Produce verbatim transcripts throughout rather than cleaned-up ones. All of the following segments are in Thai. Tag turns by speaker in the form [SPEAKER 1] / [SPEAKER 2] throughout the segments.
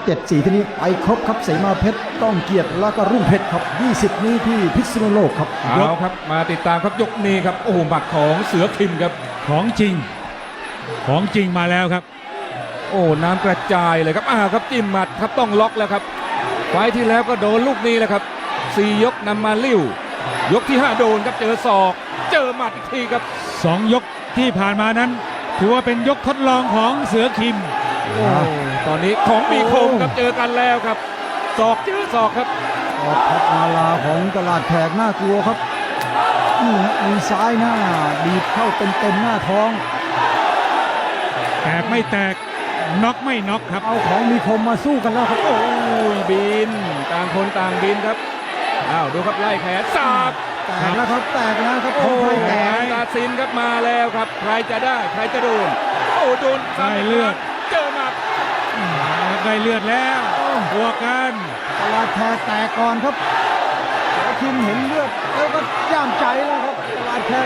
[SPEAKER 1] เจ็ดสี่ที่นี้ไปครบครับเสมาเพชรก้องเกียรติแล้วก็รุ่งเพชรครับยี่สิบนี้ที่พิษณุโลกครับ
[SPEAKER 2] เอาครับมาติดตามครับยกนี้ครับโอ้โหหมัดของเสือคิมครับ
[SPEAKER 3] ของจริงของจริงมาแล้วครับ
[SPEAKER 2] โอ้น้ำกระจายเลยครับอ้าวครับจิ้มหมัดครับต้องล็อกแล้วครับไฟล์ที่แล้วก็โดนลูกนี้แหละครับสี่ยกนำมาลิ้วยกที่ห้าโดนครับเจอศอกเจอหมัดอีกทีครับ
[SPEAKER 3] สองยกที่ผ่านมานั้นถือว่าเป็นยกทดลองของเสือคิม
[SPEAKER 2] โอ้ตอนนี้ของมีคมครับเจอกันแล้วครับศอกเจอศอกครับ
[SPEAKER 1] ออกพัดมาลาของตลาดแขกน่ากลัวครับนี่ฮะมีซ้ายหน้าบีบเข้าเต็มเต็มหน้าท้อง
[SPEAKER 3] แตกไม่แตกน็อกไม่น็อกครับ
[SPEAKER 1] เอาของมีคมมาสู้กันแล้วครับ
[SPEAKER 2] โอ้ยบินต่างคนต่างบินครับอ้าวดูครับไล่แขนสาบ
[SPEAKER 1] แตกแล้วครับแตกแล้วครับข
[SPEAKER 2] โอ้
[SPEAKER 1] องไทย
[SPEAKER 2] แข
[SPEAKER 1] แตก
[SPEAKER 2] นตัดสินครับมาแล้วครับใครจะได้ใครจะโดนโอ้โดนซ้ำ
[SPEAKER 3] ได้เลือด
[SPEAKER 2] เจอหมัด
[SPEAKER 3] ได้เลือดแล้วบวกกัน
[SPEAKER 1] ตลาดแขกแตกก่อนครับเสือคิมเห็นเลือดแล้วก็ย่ามใจแล้วครับตลาดแขก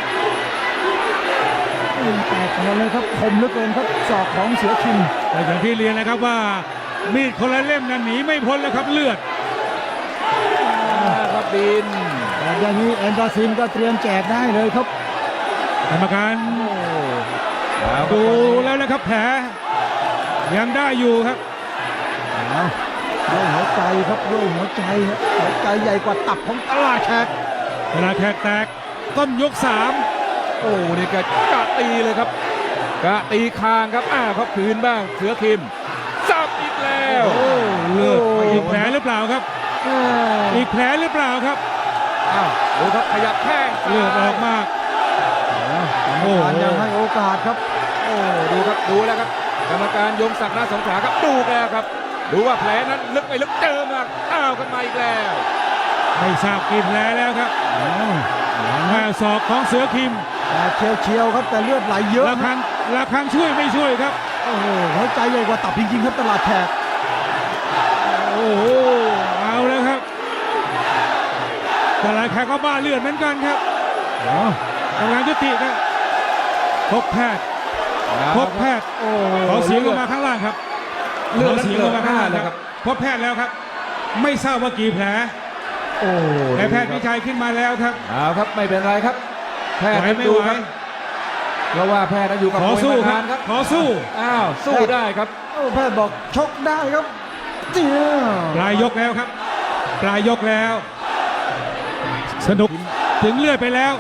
[SPEAKER 1] อืมแตกก่อนเลยครับคมเหลือเกินครับศอกของเสือคิม
[SPEAKER 3] แต่อย่างที่เรียนนะครับว่ามีดคนละเล่มนั้นหนีไม่พ้นแล้วครับเลือด
[SPEAKER 2] ครับบิน
[SPEAKER 1] แต่อย่างนี้แอนดาซินก็เตรียมแจกได้เลยครับ
[SPEAKER 3] กรรมการ
[SPEAKER 2] โอ้เอาครับ
[SPEAKER 3] ดูแล้วนะครับแผลยังได้อยู่ครับ
[SPEAKER 1] เอาด้วยหัวใจครับด้วยหัวใจครับหัวใจใหญ่กว่าตับของตลาดแขก
[SPEAKER 3] เวลาแขกแตกต้นยกสาม
[SPEAKER 2] โอ้นี่กะกะตีเลยครับกะตีคางครับอ้าวครับคืนบ้างเสือคิมสับอีกแล้ว
[SPEAKER 1] โอ้
[SPEAKER 3] เลือด
[SPEAKER 1] โ
[SPEAKER 3] อีกแผลหรือเปล่าครับ
[SPEAKER 1] เออ
[SPEAKER 3] อีกแผลหรือเปล่าครับ
[SPEAKER 2] อ้าวดูครับขยับแข้งซ้าย
[SPEAKER 3] เลือดออกมาก
[SPEAKER 1] กรรมการยังให้โอกาสครับ
[SPEAKER 2] โอ้ดูครับดูแล้วครับกรรมการยงศักดิ์นาสงขลาครับดูแล้วครับดูว่าแผลนั้นลึกไปลึกเจอมาอ้าวกันมาอีกแล้ว
[SPEAKER 3] ไม่ทราบกี่แผลแล้วครับ
[SPEAKER 1] อ้าว
[SPEAKER 3] แม่ศอกของเสือคิม
[SPEAKER 1] แต่เชียวเชียวๆครับแต่เลือดไหลเยอะ
[SPEAKER 3] ระฆังระฆังช่วยไม่ช่วยครับ
[SPEAKER 1] โอ้โหหัวใจใหญ่กว่าตับจริงๆครับตลาดแขก
[SPEAKER 3] โอ้โหเอาแล้วครับแต่หลายแขกก็บ้าเลือดเหมือนกันครับ
[SPEAKER 1] อ๋อก
[SPEAKER 3] ำลังยุติครับพบแพทย์พบแพทย์
[SPEAKER 1] โอ้
[SPEAKER 3] ขอเสียงลงมาข้างล่างครับ
[SPEAKER 2] เลือด
[SPEAKER 3] ขอเสียงลงมาข้างล่าง
[SPEAKER 2] เลย
[SPEAKER 3] ค
[SPEAKER 2] ค
[SPEAKER 3] รั
[SPEAKER 2] รั
[SPEAKER 3] บบ พบแพทย์แล้วครับ ไม่ทราบว่ากี่แผล
[SPEAKER 1] โอ้
[SPEAKER 3] แต่แพทย์วิชัยขึ้นมาแล้วครับ
[SPEAKER 2] เอาครับไม่เป็นไรครับ แพทย์
[SPEAKER 3] ไหวไม่
[SPEAKER 2] ดู
[SPEAKER 3] ไหว
[SPEAKER 2] ครับเพราะว่าแพทย์นั้นอยู่กับ
[SPEAKER 3] ขอ
[SPEAKER 2] มวย
[SPEAKER 3] สู้
[SPEAKER 2] มา
[SPEAKER 3] ครั
[SPEAKER 2] นา
[SPEAKER 3] บ
[SPEAKER 2] นครับ
[SPEAKER 3] ขอสู้
[SPEAKER 2] อ้าวสู้ได้ครับ
[SPEAKER 1] โอ้แพทย์บอกชกได้ครับเจีย
[SPEAKER 3] ปลายยกแล้วครับ ปลายยกแล้ว สนุกถึงเลือดไปแล้ว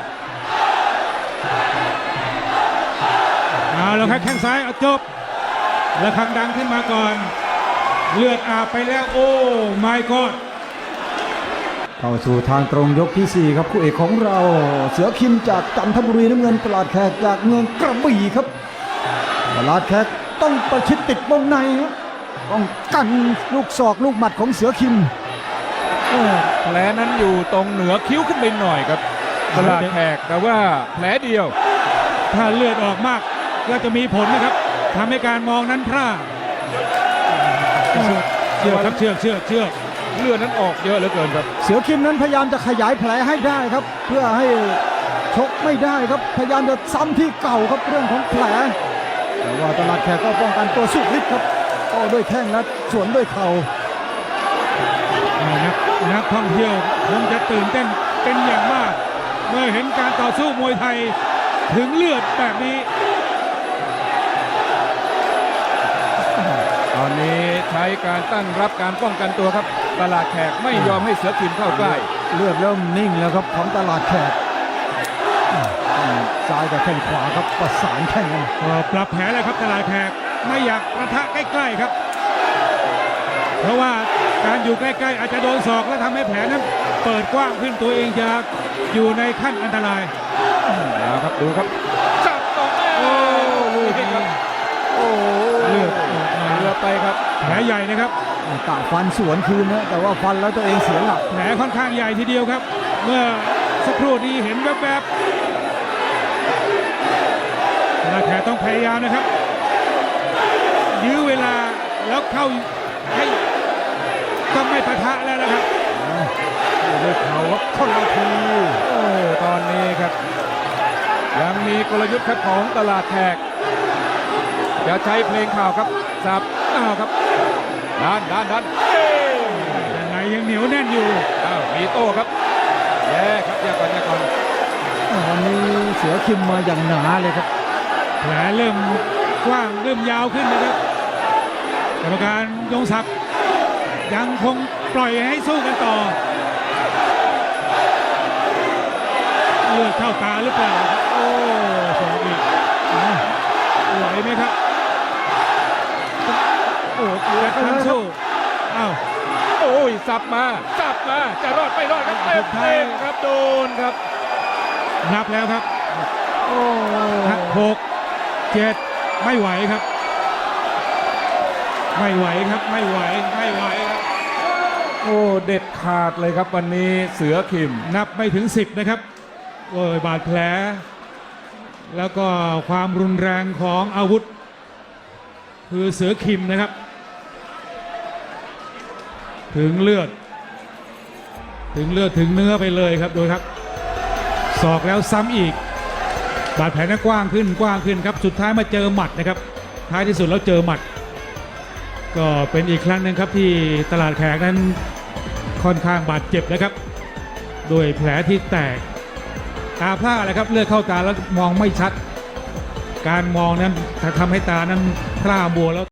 [SPEAKER 3] เอาแล้วครับแข้งซ้ายเอาจบระฆังดังขึ้นมาก่อน เลือดอาบไปแล้วโอ้ my god
[SPEAKER 1] เข้าสู่ทางตรงยกที่สี่ครับคู่เอกของเราเสือคิมจากจันทบุรีน้ำเงินตลาดแขกจากเมืองกระบี่ครับตลาดแขกต้องประชิดติดวงในครับต้องกันลูกศอกลูกหมัดของเสือคิม
[SPEAKER 2] แผลนั้นอยู่ตรงเหนือคิ้วขึ้นไปหน่อยครับตลาดแขกแต่ว่าแผลเดียว
[SPEAKER 3] ถ้าเลือดออกมากก็จะมีผลนะครับทำให้การมองนั้นพลาดเชือกครับเชือกเชือกเชือก
[SPEAKER 2] เลือดนั้นออกเยอะเหลือเกินครับ
[SPEAKER 1] เสือคิมนั้นพยายามจะขยายแผลให้ได้ครับ เพื่อให้ชกไม่ได้ครับพยายามจะซ้ำที่เก่าครับเรื่องของแผลแต่ว่าตลาดแขกก็ป้องกันตัวสุดฤทธิ์ครับโต้ด้วยแข้งและสวนด้วยเข่า
[SPEAKER 3] นักนักท่องเที่ยวคงจะตื่นเต้นเป็นอย่างมาก เมื่อเห็นการต่อสู้มวยไทยถึงเลือดแบบนี้
[SPEAKER 2] ตอนนี้ใช้การตั้งรับการป้องกันตัวครับตลาดแขกไม่ยอมให้เสือคิมเข้าใกล้
[SPEAKER 1] เลือดเริ่มนิ่งแล้วครับของตลาดแขกซ้ายกับแข้งขวาครับประสานแข้งกัน
[SPEAKER 3] ก็ปรับแผลเลยครับตลาดแขกไม่อยากประทะใกล้ๆครับ เพราะว่าการอยู่ใกล้ๆอาจจะโดนศอกและทำให้แผลนั้นเปิดกว้างขึ้นตัวเองจะอยู่ในขั้นอันตราย
[SPEAKER 2] เอาครับดูครับจับตรงโอ้ลูกนี้ครับโอ้
[SPEAKER 3] เลือดออกมา
[SPEAKER 2] เลือดไปครับ
[SPEAKER 3] แผลใหญ่นะครับ
[SPEAKER 1] กะฟันสวนคืนนะแต่ว่าฟันแล้วตัวเองเสียหลัก
[SPEAKER 3] แผลค่อนข้างใหญ่ทีเดียวครับ เมื่อสักครู่นี้เห็นแวบๆตลาดแขกต้องพยายามนะครับ ยื้อเวลาแล้วเข้าให้ต้องไม่ปะทะแล้วนะครับ
[SPEAKER 1] ด้วยเข่าครับคนละที
[SPEAKER 2] โอ้ตอนนี้ครับ ยังมีกลยุทธ์ครับของตลาดแขกจะใช้เพลงข่าวครับสับอ้าวครับดันดันดันเอ้ย
[SPEAKER 3] ยังไงยังเหนียวแน่นอยู่
[SPEAKER 2] อ้าวมีโต้ครับแย่ครับแย่ก่อนแย่ก่อน
[SPEAKER 1] วันนี้เสือคิมมาอย่างหนาเลยครับ
[SPEAKER 3] แผลเริ่มกว้างเริ่มยาวขึ้นนะครับกรรมการยงศักดิ์ยังคงปล่อยให้สู้กันต่อเลือดเข้าตาหรือเปล่าครับโอ้สองอีกอ่ะไหวไหมครับโอ้เลือดทั้งสู้อ้าว
[SPEAKER 2] โอ้ยสับมาสับมาจะรอดไม่รอดครับเต็มเต็มครับโดนครับ
[SPEAKER 3] นับแล้วครับ
[SPEAKER 2] โอ้
[SPEAKER 3] หกเจ็ดไม่ไหวครับ ไม่ไหวครับไม่ไหวไม่ไหวครับ
[SPEAKER 2] โอ้เด็ดขาดเลยครับวันนี้เสือคิม
[SPEAKER 3] นับไม่ถึงสิบนะครับโอ้ยบาดแผล แล้วก็ความรุนแรงของอาวุธ คือเสือคิมนะครับ ถึงเลือด ถึงเลือดถึงเนื้อไปเลยครับดูครับศอกแล้วซ้ำอีก บาดแผลนั้นกว้างขึ้นกว้างขึ้นครับสุดท้ายมาเจอหมัดนะครับ ท้ายที่สุดแล้วเจอหมัด ก็เป็นอีกครั้งหนึ่งครับที่ตลาดแขกนั้นค่อนข้างบาดเจ็บนะครับด้วยแผลที่แตกตาพร่าเลยครับเลือดเข้าตาแล้วมองไม่ชัด การมองนั้นทำให้ตานั้นพร่ามัวแล้ว